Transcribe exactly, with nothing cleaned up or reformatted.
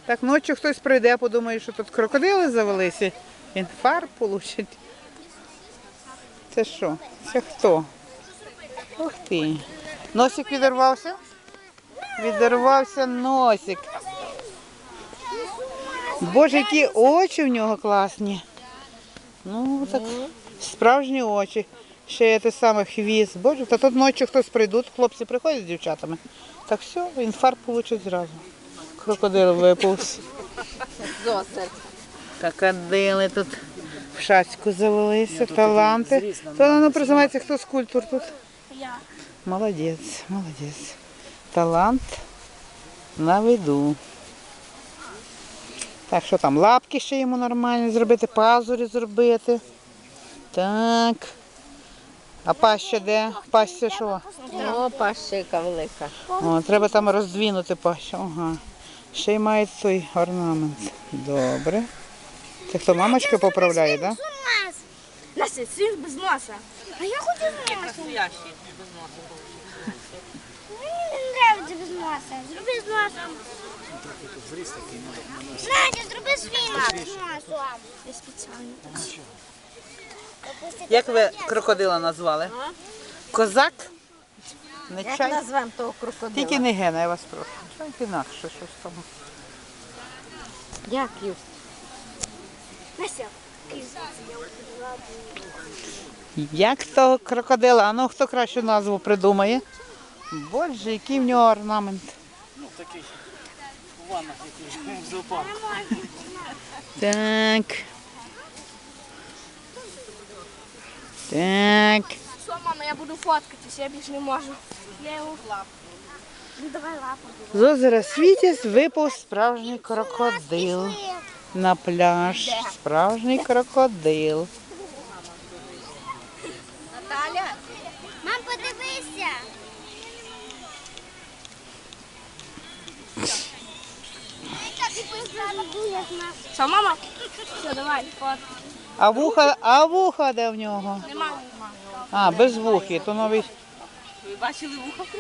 Так ночі хтось прийде, подумає, що тут крокодили завелися. Інфаркт получить. Це що? Це хто? Ух ти. Носик відірвався? Відірвався носик. Боже, які очі в нього класні. Ну, так, справжні очі. Ще є те саме хвіст. Боже, та тут ночі хтось прийдуть, хлопці приходять з дівчатами. Так все, інфаркт получить зразу. Крокодил виповз. Крокодили тут в шацьку завелися, таланти. То воно призивається, хто скульптор тут? Я. Молодець, молодець. Талант на виду. Так, що там, лапки ще йому нормально зробити, пазурі зробити. Так. А паща де? Паща що? О, пащика велика. О, треба там роздвинути пащу. Ага. Ще й має той орнамент. Добре. Це хто, мамочка поправляє, так? Да? Настя, світ без носа. А я хочу з носа. Настоящий без носа. Мені не подобається без носа. Зроби з носом. Надя, зроби свій нос з носом. Я спеціально. Як ви крокодила назвали? Козак? Не Як чай? назвемо того крокодила? Тільки не гена, я вас прошу. Чай інакше щось там. Як Юсь? Настя. Як того крокодила? А ну хто кращу назву придумає? Боже, який в нього орнамент. Ну, такий у ваннах, який в зоопарку. Так. Так. Що, мама, я буду фоткатись, я більше не можу. Я його лапу. Ну, давай лапу. З озера Світязь випав справжній крокодил. На пляж. Справжній крокодил. Наталя. Мам, подивися. Що, мама? Все, давай, фото. А вуха, а вуха де в нього? Нема. А, без вухи, то новий. Ви бачили вухо?